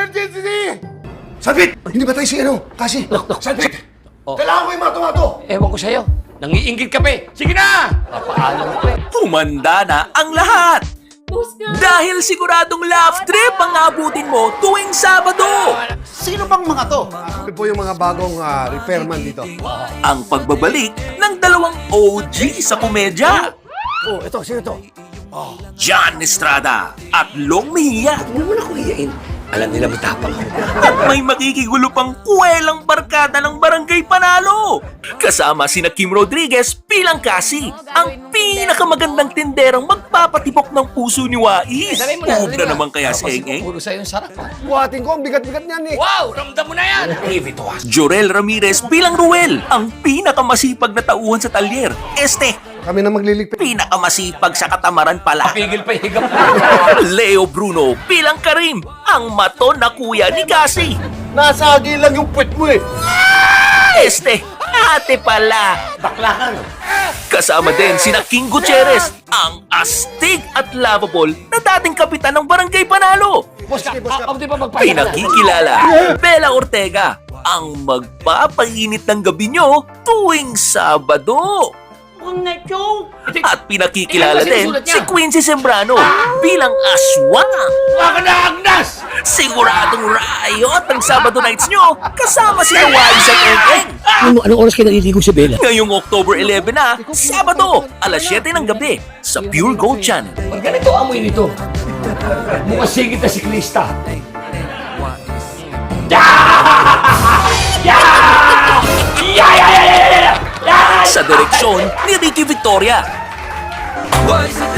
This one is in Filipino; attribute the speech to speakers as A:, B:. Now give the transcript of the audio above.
A: Emergency! Sabit! Hindi ba tayo si ano? Kasi?
B: Dok.
A: Sabit!
B: Oh.
A: Kailangan ko yung mato-mato!
B: Ewan ko sa'yo. Nangiinggit ka pa eh. Sige na! Papaalam ko eh.
C: Humanda na ang lahat! Dahil siguradong love trip ang abutin mo tuwing Sabado!
A: Sino bang mga to? Kami po yung mga bagong repairman dito.
C: Ang pagbabalik ng dalawang OG sa komedya.
A: Oh, ito. Sino to?
C: John Estrada at Long Mejia.
B: Huwag mo na ko iyain. Alam nila matapang ako.
C: At may makikigulo pang kuwelang barkada ng Barangay Panalo. Kasama sina Kim Rodriguez bilang Kasi, ang pinakamagandang tinderang magpapatibok ng puso ni Wais. Huwag na naman kaya si Eng Eng.
B: Puro sa'yo yung sarap ha.
A: Buhatin ko, ang bigat-bigat niyan eh.
B: Wow! Ramdam mo na yan! Give it to us.
C: Jorel Ramirez bilang Ruel, ang pinakamasipag na tauhan sa talyer.
A: Kami na magliligpit.
C: Pinakamasipag sa katamaran pala.
B: Pigil pa higap.
C: Leo Bruno bilang Karim, ang maton na kuya ni Kasi.
A: Nasagi lang yung puwet mo eh.
C: Ate pala.
B: Bakla ka no?
C: Kasama din sina King Gutierrez, ang astig at lovable na dating kapitan ng Barangay Panalo.
B: Boss ka, di ba magpapalala?
C: Pinakikilala, Bella Ortega, ang magpapainit ng gabi nyo tuwing Sabado. At pinakikilala din si Quincy Sembrano bilang aswang.
B: Waka na Agnes!
C: Siguradong riot ang Sabado nights nyo kasama si Wise at Eng Eng.
B: Anong oras kayo naliligo si Bella?
C: Ngayong October 11 na, Sabado, alas 7 ng gabi sa Pure Gold Channel.
B: Pag ganito amoy nito, mukhang sigit na siklista.
C: Sa direksyon ni Ricky Victoria.